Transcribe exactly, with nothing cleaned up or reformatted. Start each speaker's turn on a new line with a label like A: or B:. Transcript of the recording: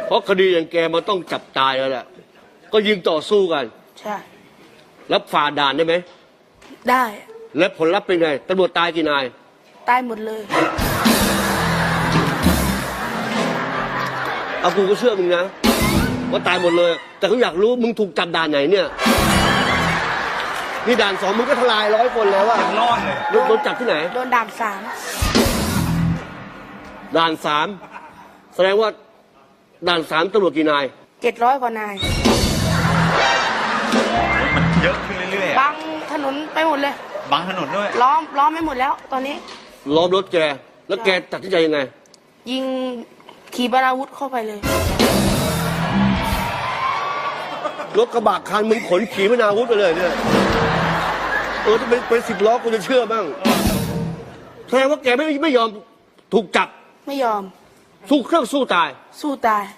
A: เพราะคดีอย่างแกมันต้องจับตายแล้วแหละก็ยิงต่อสู้กัน
B: ใช่
A: แล้วฝ่าด่านได้ไหม
B: ได้
A: แล้วผลลัพธ์เป็นไงตำรวจตายกี่นาย
B: ตายหมดเลย
A: เอากูก็เชื่อมึงนะว่าตายหมดเลยแต่เขาอยากรู้มึงถูกจับด่านไหนเนี่ยนี่ด่านสองมึงก็ทลายร้อยคนแล้วอะ
C: รอดเลย
A: โดนจับที่ไหน
B: โดนด่านสาม
A: ด่านสามแสดงว่าด่านสามตำรวจกี่นาย
B: เจ็ดร้อยกว่านาย
C: มันเยอะขึ้นเรื่อย
B: ๆบังถนนไปหมดเลย
C: บังถนนด้วย
B: ล้อมล้อมไม่หมดแล้วตอนนี้
A: ล้อมรถแกแล้วแกตัดสินใจยังไง
B: ยิงขี่ปนาวุธเข้าไปเลย
A: รถกระบะคันมึงขนขี่ปนาวุธไปเลยเนี่ยเออถ้าเป็นเป็นสิบล้อกูจะเชื่อบ้างแสดงว่าแกไม่ไม่ยอมถูกจับ
B: ไม่ยอม
A: สู้เครื่องสู้ตาย
B: สู้ตาย